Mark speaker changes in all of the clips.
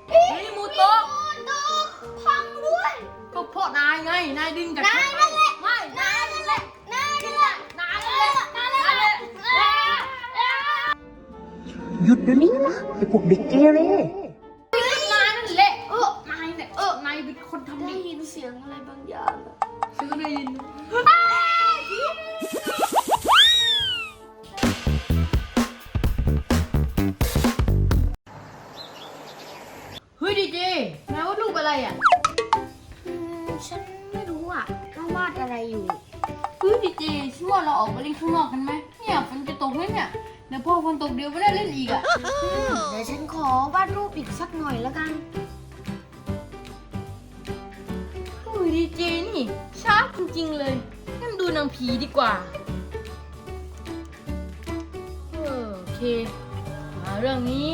Speaker 1: เฮ้ยมูโตะ
Speaker 2: โตพังด้วย
Speaker 1: ก็เพราะนายไงนายดึงจาก
Speaker 2: นายนั่นแหละ
Speaker 1: ไม่
Speaker 2: นายนั่นแหละนายนั่นแหละ
Speaker 1: นายนั่นแหละ
Speaker 2: นายนั่นแหละ
Speaker 3: หยุดเดี๋ยวนี้นะไอ้พวกเด็กเกเร
Speaker 1: นายนั่นแหละนายเนี่ยนายเป็นคนทำ
Speaker 2: ได้
Speaker 1: ดี
Speaker 2: ยินเสียงอะไรบางอย่างอะ
Speaker 1: ฉันก็ได้ยินเฮ้ยดีเจนายว่ารูปอะไรอ่ะ
Speaker 2: ฉันไม่รู้อ่ะว่าวาดอะไรอยู่
Speaker 1: เฮ้ยดีเจฉันว่าเราออกไปเล่นข้างนอกกันไหมเนี่ยฝนจะตกแล้วเนี่ยเดี๋ยวพอฝนตกเดี๋ยวไม่ได้เล่นอีกอ่ะ
Speaker 2: เดี๋ยวฉันขอวาดรูปอีกสักหน่อยแล้วกัน
Speaker 1: เฮ้ยดีเจนี่ช้าจริงๆเลยงั้นดูหนังผีดีกว่าโอเคมาเรื่องนี้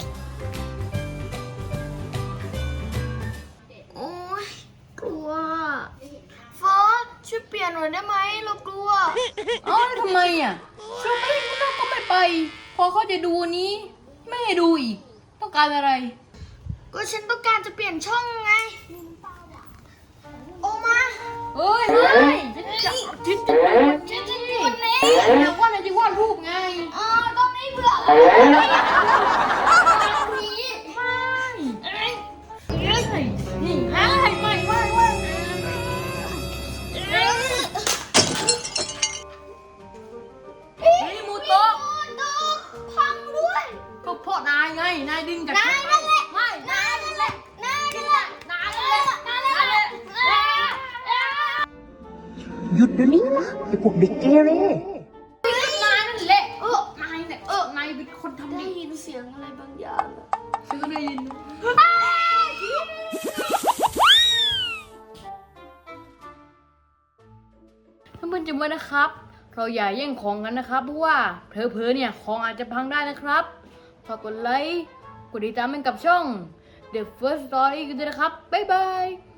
Speaker 2: โอ๊ยกลัวเฟิร์สช่วยเปลี่ยนหน่อยได้ไหมเรากลัว
Speaker 1: เอ้าแล้วทำไมอ่ะชวนไปเล่นข้างนอกก็ไม่ไป พอเขาจะดูนี้ ไม่ให้ดูอีก ต้องการอะไร
Speaker 2: ก็ฉันต้องการจะเปลี่ยนช่องไง โอมา
Speaker 1: เอ้ยไม่ฉันจะ
Speaker 2: ฉันจะเปลี่ยนนี้
Speaker 1: แต่ว่านายจะวาดรูปไง
Speaker 2: ตอนนี้เบื่อแล้วนี้
Speaker 1: นี่ไม่เฮ้ยมูโตะ
Speaker 2: โตพังด้วย
Speaker 1: ก็เพราะนายไง นายดึงจาก
Speaker 2: นายนั่นแหละ
Speaker 1: ไม่
Speaker 2: นายนั่นแหละนายนั่นแหละ
Speaker 1: นายนั่นแหละนายนั่นแหละ
Speaker 3: หยุดเดี๋ยวนี้นะไอ้พวกเด็กเกเร
Speaker 1: นายนั่นแหละนายเนี่ยนายเป็นคนทำ
Speaker 2: ได้
Speaker 1: ดี
Speaker 2: ยินเสียงอะไรบางอย่างอะ
Speaker 1: ฉันก็ได้ยินท่านเพื่อนจำไว้นะครับ เราอย่าแย่งของกันนะครับ เพราะว่าเผลอๆเนี่ยของอาจจะพังได้นะครับฝากกดไลค์ กดติดตามให้กับช่อง The First Story กันด้วยนะครับ บ๊ายบาย